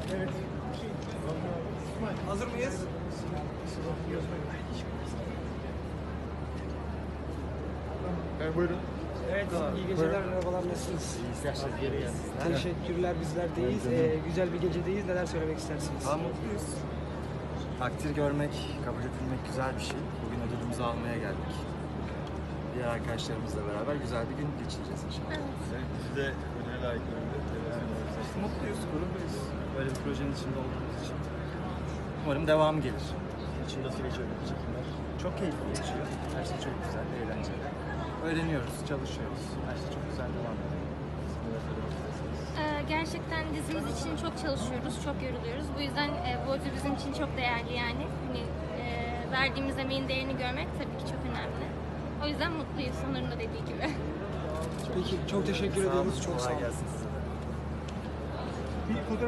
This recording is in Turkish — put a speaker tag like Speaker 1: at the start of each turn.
Speaker 1: Evet.
Speaker 2: Hazır mıyız?
Speaker 1: Buyurun.
Speaker 2: Evet, iyi geceler, merhabalar, nasılsınız? Teşekkürler, bizler deyiz. Güzel bir gecedeyiz, neler söylemek istersiniz?
Speaker 3: Daha mutluyuz. Takdir görmek, kabul edilmek güzel bir şey. Bugün ödülümüzü almaya geldik. Diğer arkadaşlarımızla beraber güzel bir gün geçireceğiz inşallah.
Speaker 1: Bizi de ödüle layık görüldü.
Speaker 3: Mutluyuz, gururluyuz. Böyle bir projenin içinde olduğumuz için. Umarım devamı gelir.
Speaker 1: İçin nasıl geçiyor bu çekimler?
Speaker 3: Çok keyifli geçiyor. Her şey çok güzel, eğlenceli. Öğreniyoruz, çalışıyoruz. Her şey çok güzel devam ediyor.
Speaker 4: Gerçekten dizimiz için çok çalışıyoruz, çok yoruluyoruz. Bu yüzden bu ödül bizim için çok değerli yani. Hani, verdiğimiz emeğin değerini görmek tabii ki çok önemli. O yüzden mutluyuz, Onur'un da dediği gibi.
Speaker 2: Peki, çok teşekkür ediyoruz, çok sağ
Speaker 3: Kolay
Speaker 2: olun.
Speaker 3: gelsin size de.